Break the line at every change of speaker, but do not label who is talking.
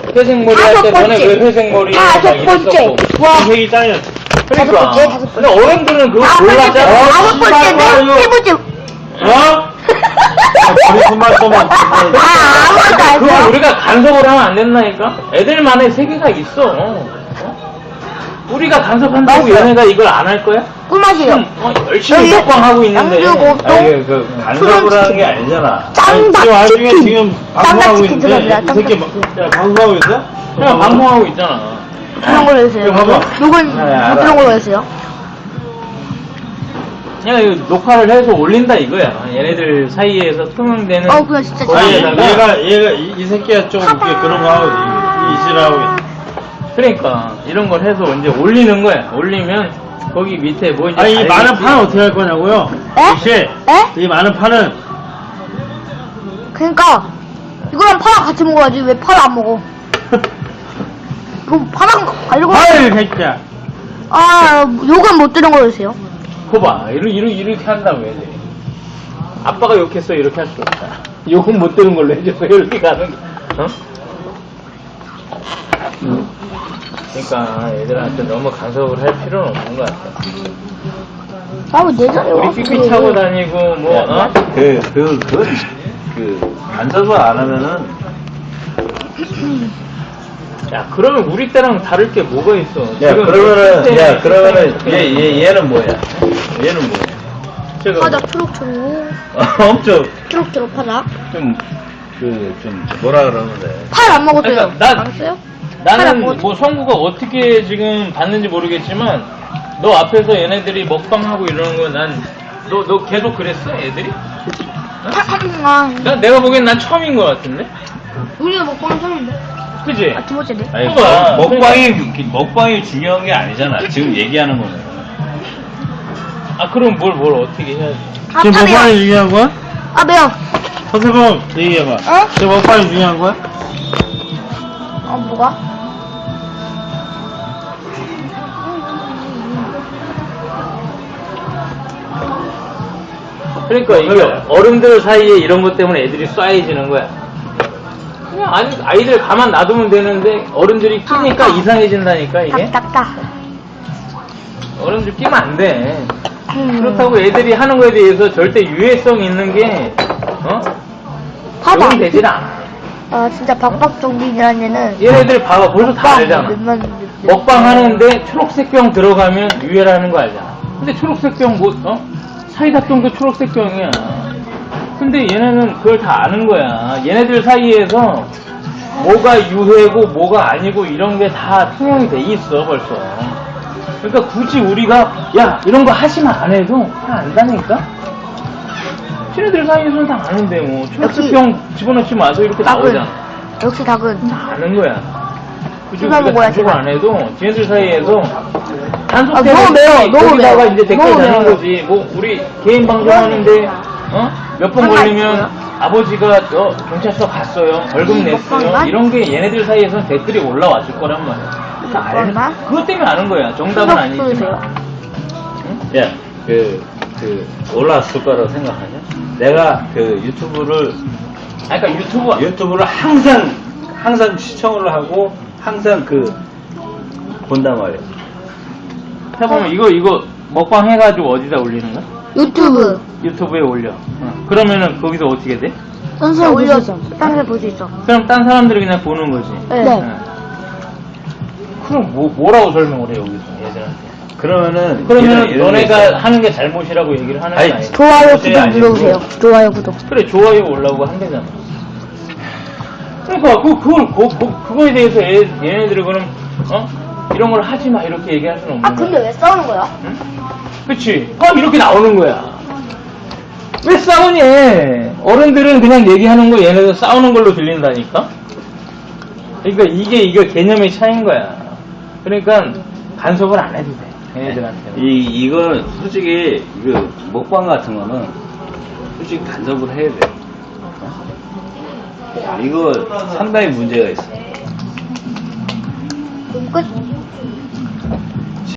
회색 머리 할 때 너네 왜 회색 머리 막
다섯 번째.
이랬었고.
와.
회의 짱이야.
다섯
그러니까.
번째, 다섯 번째.
근데 어른들은 그거 몰랐잖아.
다섯 번째는 세 번째.
어? 우리 손만 쏘면.
아무것도 안
그걸
해요.
우리가 간섭을 하면 안 된다니까? 애들만의 세계가 있어. 어? 우리가 간섭한다고
맞아요.
얘네가 이걸 안 할 거야?
꿀맛이에요.
열심히
여기
먹방하고 있는데.
양주 고동,
아니, 간섭을 하는 게 아니잖아.
짱닭
지금 와중에
치킨.
지금
짱닭
방송하고
치킨
있는데,
들어갑니다.
이 새끼
짱닭 치킨.
야, 방송하고 있어?
그냥 방송하고 있잖아.
그런 걸로 해주세요.
이거 봐봐.
욕은
네, 알아.
못 들은 걸로 해주세요.
그냥 이거 녹화를 해서 올린다 이거야. 얘네들 사이에서 투명되는.
그냥 진짜
아니,
거기에다가
얘가, 이 새끼가 좀 이렇게 그런 거 하고, 이 지랄하고.
그러니까 이런 걸 해서 이제 올리는 거야. 올리면 거기 밑에 뭐 이제
아니, 이 많은
알겠지?
판은 어떻게 할 거냐고요?
에?
혹시,
에?
이 많은 판은,
그러니까 이거랑 파랑 같이 먹어야지 왜 파를 안 먹어? 이거 파랑 알고
아유, 새끼야.
욕은 못 들은 걸로 해주세요.
거봐. 이렇게 한다고 해야 돼. 아빠가 욕했어. 이렇게 할 수 없다. 욕은 못 들은 걸로 해줘서 이렇게 가는 거. 어? 그러니까 애들한테 너무 간섭을 할 필요는 없는 것 같아.
내 자리에
우리
와서
삐삐 차고 다니고 뭐 어?
간섭을 안 하면은,
야 그러면 우리 때랑 다를 게 뭐가 있어?
그러면은, 얘는 뭐야? 얘는 뭐야?
제가
파자 초록초록
엄청,
초록초록 파자
좀, 뭐라 그러는데.
팔 안 먹었어요.
그러니까 난-
알았어요?
나는 뭐 성구가 어떻게 지금 봤는지 모르겠지만 너 앞에서 얘네들이 먹방하고 이러는 거 난 너 계속 그랬어 애들이? 내가 보기엔 난 처음인 것 같은데?
우리가 먹방은 처음인데.
그지?
두 번째네.
아니,
봐봐.
먹방이 중요한 게 아니잖아. 지금 얘기하는 거는.
아 그럼 뭘 어떻게 해야지?
지금 먹방이 중요한 거야?
매워.
서세범, 얘기해봐. 지금 먹방이 중요한 거야?
뭐가?
그러니까 이게 어른들 사이에 이런 것 때문에 애들이 쏴해지는 거야. 그냥 아이들 가만 놔두면 되는데 어른들이 끼니까 이상해진다니까 이게.
딱딱딱.
어른들 끼면 안 돼. 그렇다고 애들이 하는 거에 대해서 절대 유해성 있는 게
봐봐.
적용되질 않아.
진짜 박박정빈이라는 얘는
얘네들 봐봐 벌써 다 알잖아.
몇만
먹방 하는데 초록색 병 들어가면 유해라는 거 알잖아. 근데 초록색 병 사이다 병도 초록색 병이야. 근데 얘네는 그걸 다 아는 거야. 얘네들 사이에서 뭐가 유해고 뭐가 아니고 이런 게 다 투명이 돼 있어 벌써. 그러니까 굳이 우리가 야 이런 거 하시면 안 해도 다 안다니까. 걔네들 사이에서는 다 아는데 뭐 초록색 병 집어넣지 마세요 이렇게 나오잖아.
역시 닭은
다 아는 거야. 굳이
씹어
우리가
먹어야지.
단속을 안 해도 쟤네들 사이에서 단속
너무
때문에
매워, 너무
거기다가
매워.
이제 댓글
너무
다는
매워요.
거지. 뭐 우리 개인 방송하는데 몇 번
하나
걸리면
있어요?
아버지가 경찰서 갔어요. 벌금 냈어요.
먹방만?
이런 게 얘네들 사이에서는 댓글이 올라왔을 거란 말이야. 그러니까
먹방만?
그것 때문에 아는 거야. 정답은 아니지만.
야, 올라왔을 거라고 생각하냐? 내가 유튜브를
그러니까
유튜브를 항상 시청을 하고 항상 본단 말이야.
해보면 이거 먹방 해가지고 어디다 올리는 거야?
유튜브
유튜브에 올려. 그러면은 거기서 어떻게 돼?
선수를 올려 딴데 볼 수 있어.
그럼 딴 사람들이 그냥 보는 거지.
네.
그럼 뭐라고 설명을 해 여기서 얘들한테?
그러면은
그러면 너네가 하는 게 잘못이라고 얘기를 하는 거
아니,
아니야?
좋아요
그것이
구독
아니고.
눌러주세요. 좋아요 구독.
그래 좋아요 올라오고 한대잖아. 그러니까 그거에 대해서 얘네들이 그럼 이런 걸 하지 마 이렇게 얘기할 수는 없는 거야.
왜 싸우는 거야?
그치? 이렇게 나오는 거야. 왜 싸우니? 어른들은 그냥 얘기하는 거 얘네들 싸우는 걸로 들린다니까? 그러니까 이게 개념의 차이인 거야. 그러니까 간섭을 안 해도 돼. 얘네들한테.
이건 솔직히 먹방 같은 거는 솔직히 간섭을 해야 돼. 이거 상당히 문제가 있어.
끝.